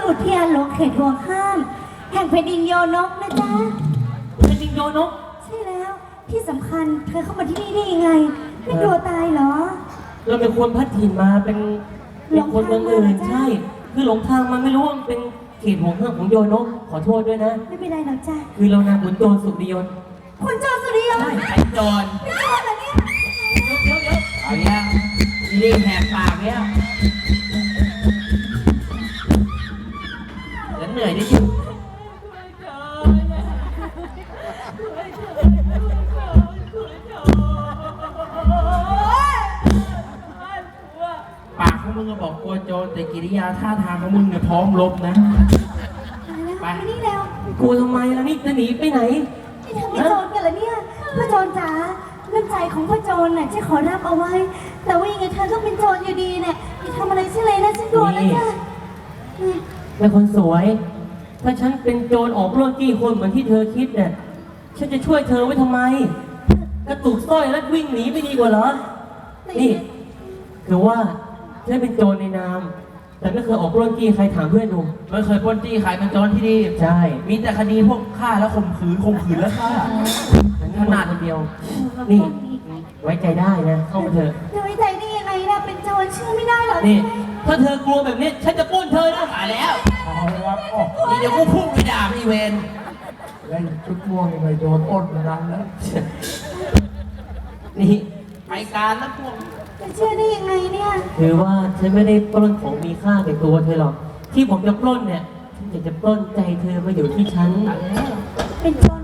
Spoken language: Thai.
อุทยานหลวงเขตห่วงห้ามแห่งแผ่นดินโยนกนะจ๊ะเป็นจริงโยนกใช่แล้วที่สำคัญเธอเข้ามาที่นี่ได้ยังไงไม่กลัวตายเหรอเราเป็นคนพัดถิ่นมาเป็นคนเมืองอื่นใช่คือหลงทางมาไม่รู้ว่ามันเป็นเขตห่วงห้ามของโยนกขอโทษด้วยนะไม่เป็นไรหรอกจ้ะคือเรานามขุนโจรสุริยนต์คุณโจรสุริยนต์ใช่ไอ้โจรไม่โจรเหรอเนี่ยเดี๋ยวเอาเนี้ยรีบแหกปากเนี้ยแล้วเหนื่อยที่สุดปากของมึงก็บอกกลัวโจรแต่กิริยาท่าทางของมึงเนี่ยพร้อมรบนะไปนี่แล้วกลัวทำไมล่ะนี่จะหนีไปไหนนี่เธอไม่โจรกันเหรอเนี่ยพ่อโจรจ๋าน้ำใจของพ่อโจรน่ะจะขอรับเอาไว้ แต่ว่ายังไงเธอก็เป็นโจรอยู่ดีเนี่ยอย่าทำอะไรฉันเลยนะฉันกลัวนะจ๊ะนี่แม่คนสวย ถ้าฉันเป็นโจรออกปล้นจี้คนเหมือนที่เธอคิดเนี่ย ฉันจะช่วยเธอไว้ทำไม กระตุกสร้อยแล้ววิ่งหนีไม่ดีกว่าเหรอ นี่คือว่าฉันเป็นโจรในนาม แต่ไม่เคยออกปล้นจี้ใครถามเพื่อนดูไม่เคยปล้นจี้ใครเป็นโจรที่ดีใช่มีแต่คดีพวกฆ่าแล้วข่มขืนแล้วฆ่าขนาดคนเดียว นี่ ไว้ใจได้นะ เข้ามาเถอะเธอไว้ใจได้ยังไงล่ะเป็นโจรเชื่อไม่ได้หรอกนี่ ถ้าเธอกลัวแบบนี้ ฉันจะปล้นเธอนะตายแล้วนี่เดี๋ยวกูพุ่งไปด่าพี่เวนเล่นชุดม่วงยังไงโดนอ้นมานานแล้วนี่ไปการแล้วพวกจะเชื่อได้ยังไงเนี่ยคือว่าฉันไม่ได้ปล้นของมีค่าในตัวเธอหรอก ที่ผมจะปล้นเนี่ย ฉันอยากจะปล้นใจเธอมาอยู่ที่ฉันเป็นโจร